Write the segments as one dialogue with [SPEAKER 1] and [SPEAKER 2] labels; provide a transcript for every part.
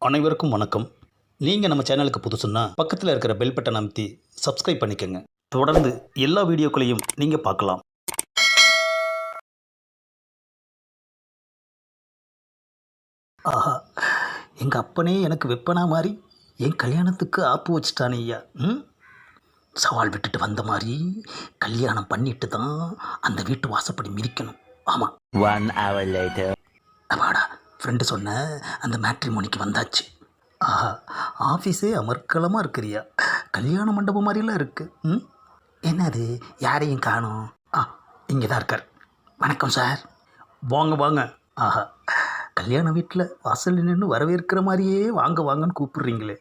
[SPEAKER 1] அனைவருக்கும் வணக்கம். நீங்கள் நம்ம சேனலுக்கு புதுசுன்னா பக்கத்தில் இருக்கிற பெல் பட்டன் அமைத்தி சப்ஸ்கிரைப் பண்ணிக்கோங்க. தொடர்ந்து எல்லா வீடியோக்களையும் நீங்கள் பார்க்கலாம். ஆஹா, எங்கள் அப்பனே எனக்கு வெப்பனா மாதிரி என் கல்யாணத்துக்கு ஆப்பு வச்சுட்டானே ஐயா. சவால் விட்டுட்டு வந்த மாதிரி கல்யாணம் பண்ணிட்டு தான் அந்த வீட்டு வாசப்படி மிதிக்கணும். ஆமாம்.
[SPEAKER 2] 1 hour later.
[SPEAKER 1] அப்பாடா, ஃப்ரெண்டு சொன்ன அந்த மேட்ரிமோனிக்கு வந்தாச்சு. ஆஹா, ஆஃபீஸே அமர்க்கலமாக இருக்கிறியா. கல்யாண மண்டபம் மாதிரிலாம் இருக்கு. என்னது, யாரையும் காணோம். இங்கே தான் இருக்கார். வணக்கம் சார். வாங்க வாங்க. ஆஹா, கல்யாண வீட்டில் வாசல் நின்று வரவேற்கிற மாதிரியே வாங்க வாங்கன்னு கூப்பிடுறீங்களே.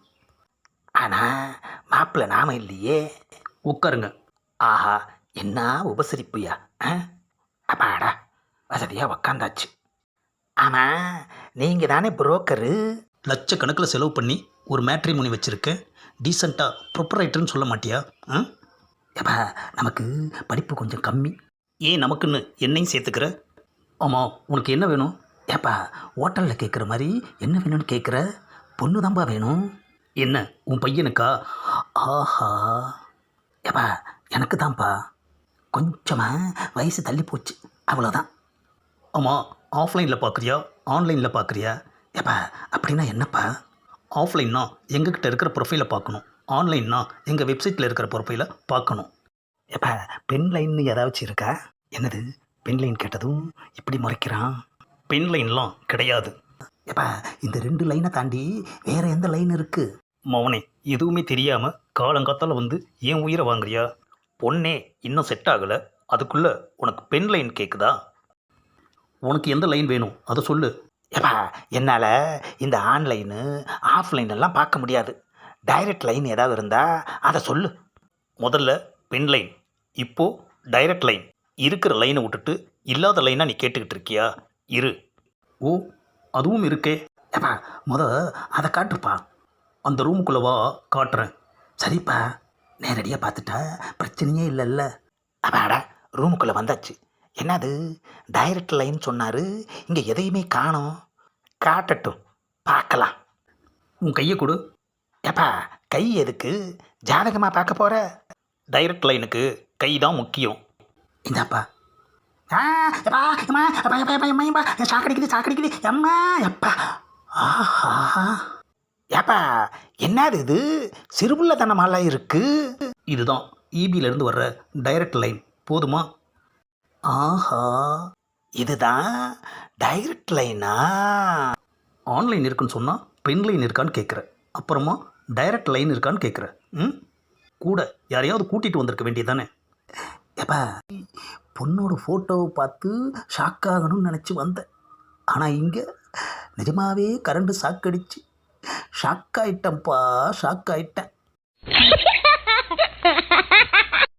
[SPEAKER 1] ஆனால் மாப்பிள்ளை நாம இல்லையே. உட்காருங்க. ஆஹா, என்ன உபசரிப்புயா. அப்பாடா, வசதியாக உக்காந்தாச்சு. ஆமாம், நீங்கள் தானே புரோக்கரு. லட்சக்கணக்கில் செலவு பண்ணி ஒரு மேட்ரிமோனி வச்சுருக்கேன். டீசெண்டாக ப்ரொப்பரைட்டர்னு சொல்ல மாட்டியா? ஏப்பா, நமக்கு படிப்பு கொஞ்சம் கம்மி. ஏன் நமக்குன்னு என்னையும் சேர்த்துக்கிற? ஆமாம், உனக்கு என்ன வேணும்? ஏப்பா, ஹோட்டலில் கேட்குற மாதிரி என்ன வேணும்னு கேட்குற? பொண்ணு தான்ப்பா வேணும். என்ன, உன் பையனுக்கா? ஆஹா, ஏப்பா எனக்கு தான்ப்பா. கொஞ்சமாக வயசு தள்ளி போச்சு, அவ்வளோதான். ஆமாம், ஆஃப்லைனில் பார்க்குறியா ஆன்லைனில் பார்க்குறியா? ஏப்பா அப்படின்னா என்னப்பா? ஆஃப்லைன்னா எங்ககிட்ட இருக்கிற ப்ரொஃபைலை பார்க்கணும், ஆன்லைன்னா எங்கள் வெப்சைட்டில் இருக்கிற ப்ரொஃபைலை பார்க்கணும். ஏப்பா, பென் லைன்னு ஏதாச்சும் இருக்கா? என்னது, பென் லைன் கேட்டதும் இப்படி முறைக்கிறான். பென் லைன்லாம் கிடையாது. ஏப்பா, இந்த 2 லைனை தாண்டி வேறு எந்த லைன் இருக்குது? மௌனே, எதுவுமே தெரியாமல் காலங்காத்தால் வந்து ஏன் உயிரை வாங்குறியா? பொண்ணே இன்னும் செட் ஆகலை, அதுக்குள்ளே உனக்கு பென் லைன் கேட்குதா? உனக்கு எந்த லைன் வேணும் அதை சொல்லு. ஏப்பா, என்னால் இந்த ஆன்லைனு ஆஃப்லைனெல்லாம் பார்க்க முடியாது. டைரக்ட் லைன் ஏதாவது இருந்தால் அதை சொல்லு. முதல்ல பென் லைன், இப்போது டைரக்ட் லைன். இருக்கிற லைனை விட்டுட்டு இல்லாத லைனாக நீ கேட்டுக்கிட்டு இருக்கியா? இரு. ஓ, அதுவும் இருக்கே. ஏப்பா, அதை காட்டுப்பா. அந்த ரூமுக்குள்ளே வா, காட்டுறேன். சரிப்பா, நேரடியாக பார்த்துட்டா பிரச்சனையே இல்லைல்ல. அப்பாடா, ரூமுக்குள்ளே வந்தாச்சு. என்னது, டைரக்ட் லைன் சொன்னார், இங்கே எதையுமே காணோம். காட்டட்டும், பார்க்கலாம். உன் கையை கொடு. ஏப்பா, கை எதுக்கு? ஜாதகமாக பார்க்க போகிற? டைரக்ட் லைனுக்கு கை தான் முக்கியம். இந்தாப்பா. சாக்கடிக்குது அம்மா எப்பா. ஆஹா, ஏப்பா என்னது இது, சிறுபுள்ளத்தனமாலாம் இருக்கு. இதுதான் இபியிலேருந்து வர்ற டைரக்ட் லைன், போதுமா? ஆஹா, இதுதான் டைரக்ட் லைனா? ஆன்லைன் இருக்குன்னு சொன்னால் பென் லைன் இருக்கான்னு கேட்குற, அப்புறமா டைரக்ட் லைன் இருக்கான்னு கேட்குற. கூட யாரையாவது கூட்டிகிட்டு வந்திருக்க வேண்டியது தானே. ஏப்பா, பொண்ணோட ஃபோட்டோவை பார்த்து ஷாக் ஆகணும்னு நினச்சி வந்தேன். ஆனால் இங்கே நிஜமாகவே கரண்டு ஷாக் ஆகிட்டேன்ப்பா, ஷாக் ஆகிட்டேன்.